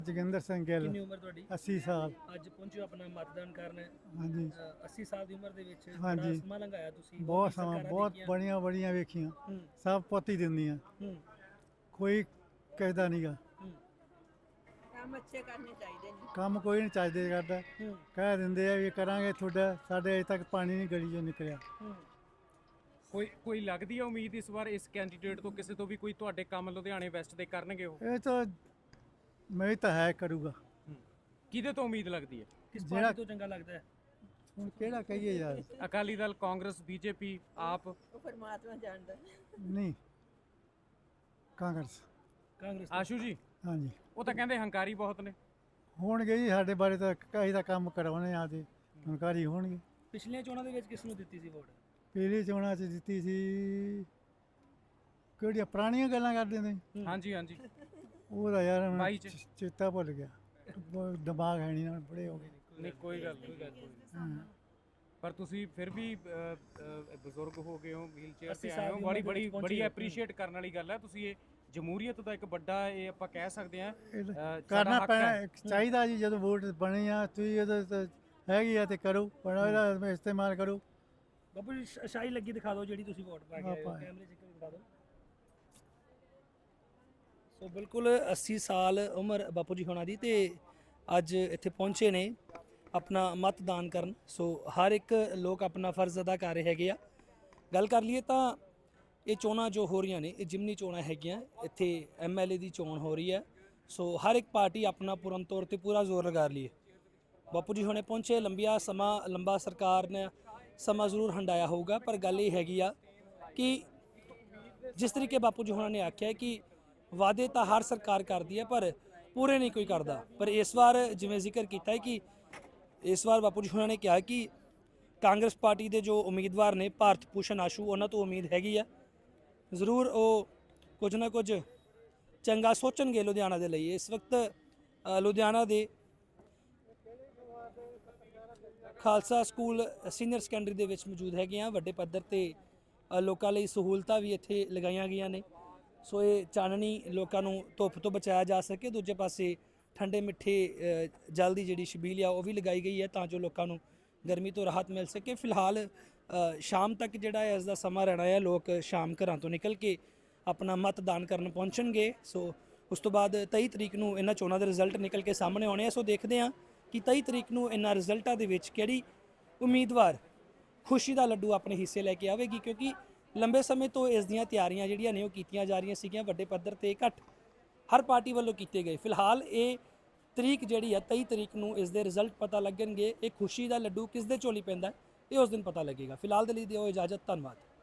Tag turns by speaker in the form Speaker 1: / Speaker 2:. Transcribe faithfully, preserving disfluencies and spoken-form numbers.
Speaker 1: ਜੋਗਿੰਦਰ ਸਿੰਘ ਗਿੱਲ।
Speaker 2: ਕਿੰਨੀ ਉਮਰ ਤੁਹਾਡੀ?
Speaker 1: अस्सी ਸਾਲ।
Speaker 2: ਅੱਜ ਪਹੁੰਚੋ ਆਪਣਾ ਮਤਦਾਨ ਕਰਨ।
Speaker 1: ਹਾਂਜੀ
Speaker 2: ਅ, ਅੱਸੀ ਸਾਲ ਦੀ ਉਮਰ ਦੇ ਵਿੱਚ
Speaker 1: ਹਾਂਜੀ।
Speaker 2: ਬੜਾ ਸਮਾਂ ਲੰਘਾਇਆ ਤੁਸੀਂ। ਹੋਰ
Speaker 1: ਬਹੁਤ
Speaker 2: ਵੀ
Speaker 1: ਸਮਾਂ,
Speaker 2: ਸਰਕਾਰਾਂ
Speaker 1: ਬਹੁਤ
Speaker 2: ਦੇਖੀਆਂ।
Speaker 1: ਬੜੀਆਂ ਬੜੀਆਂ ਵੇਖੀਆਂ,
Speaker 2: ਹੂੰ
Speaker 1: ਸਭ ਪੋਤੀ ਦਿੰਦੀਆਂ,
Speaker 2: ਹੂੰ
Speaker 1: ਕੋਈ ਕਹਿਦਾ ਨਹੀਂਗਾ।
Speaker 2: ਹੂੰ
Speaker 3: ਕੰਮ ਅੱਛੇ ਕਰਨੇ ਚਾਹੀਦੇ ਨੇ।
Speaker 1: ਕੰਮ ਕੋਈ ਨਹੀਂ ਚੱਜਦੇ ਕਰਦਾ,
Speaker 2: ਹੂੰ
Speaker 1: ਕਹਿ ਦਿੰਦੇ ਆ ਵੀ ਕਰਾਂਗੇ ਤੁਹਾਡਾ, ਸਾਡੇ ਅਜੇ ਤੱਕ ਪਾਣੀ ਨਹੀਂ ਗਲੀ ਚੋਂ ਨਿਕਲਿਆ।
Speaker 2: ਹੂੰ
Speaker 4: ਕੋਈ ਕੋਈ ਲੱਗਦੀ ਹੈ ਉਮੀਦ ਇਸ ਵਾਰ ਇਸ ਕੈਂਡੀਡੇਟ ਤੋਂ ਕਿਸੇ ਤੋਂ ਵੀ ਕੋਈ ਤੁਹਾਡੇ ਕੰਮ ਲੁਧਿਆਣੇ ਵੈਸਟ ਦੇ ਕਰਨਗੇ ਉਹ?
Speaker 1: ਇਹ ਤਾਂ ਮੈਂ ਤਾਂ ਹੈ ਕਰੂਗਾ।
Speaker 4: ਕਿਹਦੇ ਤੋਂ ਉਮੀਦ ਲੱਗਦੀ ਹੈ?
Speaker 2: ਕਿਸ
Speaker 1: ਜਿਹੜਾ-
Speaker 2: ਪਾਰਟੀ ਤੋਂ ਚੰਗਾ ਲੱਗਦਾ ਹੈ?
Speaker 1: ਹੁਣ ਕਿਹੜਾ ਕਹੀਏ ਯਾਰ,
Speaker 4: ਅਕਾਲੀ ਦਲ, ਕਾਂਗਰਸ, ਬੀਜੇਪੀ, ਆਪ?
Speaker 3: ਉਹ ਪਰਮਾਤਮਾ ਜਾਣਦਾ।
Speaker 1: ਨਹੀਂ ਕਾਂਗਰਸ।
Speaker 2: ਕਾਂਗਰਸ ਤੋਂ?
Speaker 4: ਆਸ਼ੂ ਜੀ,
Speaker 1: ਹਾਂਜੀ
Speaker 4: ਉਹ ਤਾਂ ਕਹਿੰਦੇ ਹੰਕਾਰੀ ਬਹੁਤ ਨੇ।
Speaker 1: ਹੋਣਗੇ ਜੀ, ਸਾਡੇ ਬਾਰੇ ਤਾਂ ਕਈ ਦਾ ਕੰਮ ਕਰਾਉਣੇ ਆ ਤੇ ਹੰਕਾਰੀ ਹੋਣਗੇ।
Speaker 2: ਪਿਛਲੀਆਂ ਚੋਣਾਂ ਦੇ ਵਿੱਚ ਕਿਸ ਨੂੰ ਦਿੱਤੀ ਸੀ ਵੋਟ?
Speaker 1: ਪਹਿਲੀ ਚੋਣਾਂ 'ਚ ਦਿੱਤੀ ਸੀ, ਕਿਹੜੀਆਂ ਪੁਰਾਣੀਆਂ ਗੱਲਾਂ ਕਰਦੇ ਨੇ,
Speaker 4: ਹਾਂਜੀ ਹਾਂਜੀ।
Speaker 1: ਉਹਦਾ ਯਾਰ ਹੁਣ
Speaker 4: ਬਾਈ ਚ।
Speaker 1: ਚ- ਚੇਤਾ ਭੁੱਲ ਗਿਆ, ਬਹੁਤ ਦਿਮਾਗ ਹੈ ਨਹੀਂ ਨਾ, ਬੜੇ ਹੋ ਗਏ।
Speaker 4: ਨਹੀਂ ਕੋਈ ਗੱਲ ਨਹੀਂ।
Speaker 1: ਹਾਂ।
Speaker 4: ਪਰ ਤੁਸੀਂ ਫਿਰ ਵੀ ਅ, ਅ, ਬਜ਼ੁਰਗ ਹੋ ਗਏ ਹੋ, ਵੀਲ ਚੇਅਰ
Speaker 2: ਅੱਸੀ
Speaker 4: ਤੇ
Speaker 2: ਸਾਲ
Speaker 4: ਆਏ ਹੋ,
Speaker 2: ਦੀ
Speaker 4: ਬੜੀ
Speaker 2: ਉਮਰ ਦੇ
Speaker 4: ਬੜੀ
Speaker 2: ਵਿੱਚ ਪਹੁੰਚੇ
Speaker 4: ਬੜੀ
Speaker 2: ਹੋ।
Speaker 4: ਐਪਰੀਸ਼ੀਏਟ ਕਰਨ ਵਾਲੀ ਗੱਲ ਹੈ। ਤੁਸੀਂ ਇਹ ਜਮਹੂਰੀਅਤ ਦਾ ਇੱਕ ਵੱਡਾ, ਇਹ ਆਪਾਂ ਕਹਿ ਸਕਦੇ ਹਾਂ
Speaker 1: ਇਹ
Speaker 4: ਅ, ਸਾਡਾ
Speaker 1: ਕਰਨਾ
Speaker 4: ਹੱਕ
Speaker 1: ਪੈਣਾ
Speaker 4: ਹੈ।
Speaker 1: ਚਾਹੀਦਾ ਜੀ, ਜਦੋਂ ਵੋਟ ਬਣੇ ਆ ਤੁਸੀਂ ਉਹਦੇ ਤੇ ਹੈਗੀ ਆ ਤੇ ਕਰੋ, ਪਰ ਇਹਦਾ ਇਸਤੇਮਾਲ ਕਰੋ।
Speaker 2: ਬਾਪੂ ਜੀ ਸ਼- ਸ਼ਾਹੀ ਲੱਗੀ ਦਿਖਾ ਦਿਓ ਜਿਹੜੀ ਤੁਸੀਂ ਵੋਟ ਪਾ ਕੇ ਆਏ ਹੋ,
Speaker 1: ਆਪਾਂ-
Speaker 2: ਕੈਮਰੇ 'ਚ ਇੱਕ ਵਾਰੀ ਦਿਖਾ ਦਿਓ। ਸੋ ਬਿਲਕੁਲ ਅੱਸੀ ਸਾਲ ਉਮਰ ਬਾਪੂ ਜੀ ਹੋਣਾ ਦੀ ਤੇ ਅੱਜ ਇੱਥੇ ਪਹੁੰਚੇ ਨੇ ਆਪਣਾ ਮਤਦਾਨ ਕਰਨ। ਸੋ ਹਰ ਇੱਕ ਲੋਕ ਆਪਣਾ ਫਰਜ਼ ਅਦਾ ਕਰ ਰਹੇ ਹੈਗੇ ਆ। ਗੱਲ ਕਰ ਲਈਏ ਤਾਂ ਇਹ ਚੋਣਾਂ ਜੋ ਹੋ ਰਹੀਆਂ ਨੇ, ਇਹ ਜਿਮਨੀ ਚੋਣਾਂ ਹੈਗੀਆਂ, ਇੱਥੇ ਐਮਐਲਏ ਦੀ ਚੋਣ ਹੋ ਰਹੀ ਹੈ। ਸੋ ਹਰ ਇੱਕ ਪਾਰਟੀ ਆਪਣਾ ਪੂਰਨ ਤੌਰ ਤੇ ਪੂਰਾ ਜ਼ੋਰ ਲਗਾ ਰਹੀ ਹੈ। ਬਾਪੂ ਜੀ ਹੁਣੇ ਪਹੁੰਚੇ, ਲੰਬੀਆ ਸਮਾਂ ਲੰਬਾ ਸਰਕਾਰ ਨੇ ਸਮਾਂ ਜ਼ਰੂਰ ਹੰਡਾਇਆ ਹੋਊਗਾ, ਪਰ ਗੱਲ ਇਹ ਹੈਗੀ ਆ ਕਿ ਜਿਸ ਤਰੀਕੇ ਬਾਪੂ ਜੀ ਹੁਣਾਂ ਨੇ ਆਖਿਆ ਕਿ ਵਾਅਦੇ ਤਾਂ ਹਰ ਸਰਕਾਰ ਕਰਦੀ ਹੈ ਪਰ ਪੂਰੇ ਨਹੀਂ ਕੋਈ ਕਰਦਾ। ਪਰ ਇਸ ਵਾਰ ਜਿਵੇਂ ਜ਼ਿਕਰ ਕੀਤਾ ਹੈ ਕਿ ਇਸ ਵਾਰ ਬਾਪੂ ਜੀ ਹੁਣਾਂ ਨੇ ਕਿਹਾ ਕਿ ਕਾਂਗਰਸ ਪਾਰਟੀ ਦੇ ਜੋ ਉਮੀਦਵਾਰ ਨੇ ਭਾਰਤ ਭੂਸ਼ਣ ਆਸ਼ੂ, ਉਹਨਾਂ ਤੋਂ ਉਮੀਦ ਹੈਗੀ ਆ ਜ਼ਰੂਰ ਉਹ ਕੁਝ ਨਾ ਕੁਝ ਚੰਗਾ ਸੋਚਣਗੇ ਲੁਧਿਆਣਾ ਦੇ ਲਈ। ਇਸ ਵਕਤ ਅ, ਲੁਧਿਆਣਾ ਦੇ ਖਾਲਸਾ ਸਕੂਲ ਸੀਨੀਅਰ ਸੈਕੰਡਰੀ ਦੇ ਵਿੱਚ ਮੌਜੂਦ ਹੈਗੇ ਆ। ਵੱਡੇ ਪੱਧਰ ਤੇ ਅ, ਲੋਕਾਂ ਲਈ ਸਹੂਲਤਾਂ ਵੀ ਇੱਥੇ ਲਗਾਈਆਂ ਗਈਆਂ ਨੇ। ਸੋ ਇਹ ਚਾਨਣੀ ਲੋਕਾਂ ਨੂੰ ਧੁੱਪ ਤੋਂ ਬਚਾਇਆ ਜਾ ਸਕੇ। ਦੂਜੇ ਪਾਸੇ ਠੰਡੇ ਮਿੱਠੇ ਅ, ਜਲ ਦੀ ਜਿਹੜੀ ਛਬੀਲ ਆ ਉਹ ਵੀ ਲਗਾਈ ਗਈ ਹੈ ਤਾਂ ਜੋ ਲੋਕਾਂ ਨੂੰ ਗਰਮੀ ਤੋਂ ਰਾਹਤ ਮਿਲ ਸਕੇ। ਫਿਲਹਾਲ ਅ, ਸ਼ਾਮ ਤੱਕ ਜਿਹੜਾ ਹੈ ਇਸ ਦਾ ਸਮਾਂ ਰਹਿਣਾ ਹੈ। ਲੋਕ ਸ਼ਾਮ ਘਰਾਂ ਤੋਂ ਨਿਕਲ ਕੇ ਆਪਣਾ ਮਤਦਾਨ ਕਰਨ ਪਹੁੰਚਣਗੇ। ਸੋ ਉਸ ਤੋਂ ਬਾਅਦ ਤੇਈ ਤਰੀਕ ਨੂੰ ਇਹਨਾਂ ਚੋਣਾਂ ਦੇ ਰਿਜ਼ਲਟ ਨਿਕਲ ਕੇ ਸਾਹਮਣੇ ਆਉਣੇ ਆ। ਸੋ ਦੇਖਦੇ ਹਾਂ ਕਿ ਤੇਈ ਤਰੀਕ ਨੂੰ ਇਹਨਾਂ ਰਿਜ਼ਲਟਾਂ ਦੇ ਵਿੱਚ ਕਿਹੜੀ ਉਮੀਦਵਾਰ ਖੁਸ਼ੀ ਦਾ ਲੱਡੂ ਆਪਣੇ ਹਿੱਸੇ ਲੈ ਕੇ ਆਵੇਗੀ, ਕਿਉਂਕਿ ਲੰਬੇ ਸਮੇਂ ਤੋਂ ਇਸ ਦੀਆਂ ਤਿਆਰੀਆਂ ਜਿਹੜੀਆਂ ਨੇ ਉਹ ਕੀਤੀਆਂ ਜਾ ਰਹੀਆਂ ਸੀਗੀਆਂ। ਵੱਡੇ ਪੱਧਰ ਤੇ ਇਕੱਠ ਹਰ ਪਾਰਟੀ ਵੱਲੋਂ ਕੀਤੇ ਗਏ। ਫਿਲਹਾਲ ਇਹ ਤਰੀਕ ਜਿਹੜੀ ਹੈ ਤੇਈ ਤਰੀਕ ਨੂੰ ਇਸ ਦੇ ਰਿਜ਼ਲਟ ਪਤਾ ਲੱਗਣਗੇ। ਇਹ ਖੁਸ਼ੀ ਦਾ ਲੱਡੂ ਕਿਸ ਦੇ ਝੋਲੀ ਪੈਂਦਾ ਇਹ ਉਸ ਦਿਨ ਪਤਾ ਲੱਗੇਗਾ। ਫਿਲਹਾਲ ਦੇ ਲਈ ਦਿਓ ਇਜਾਜ਼ਤ, ਧੰਨਵਾਦ।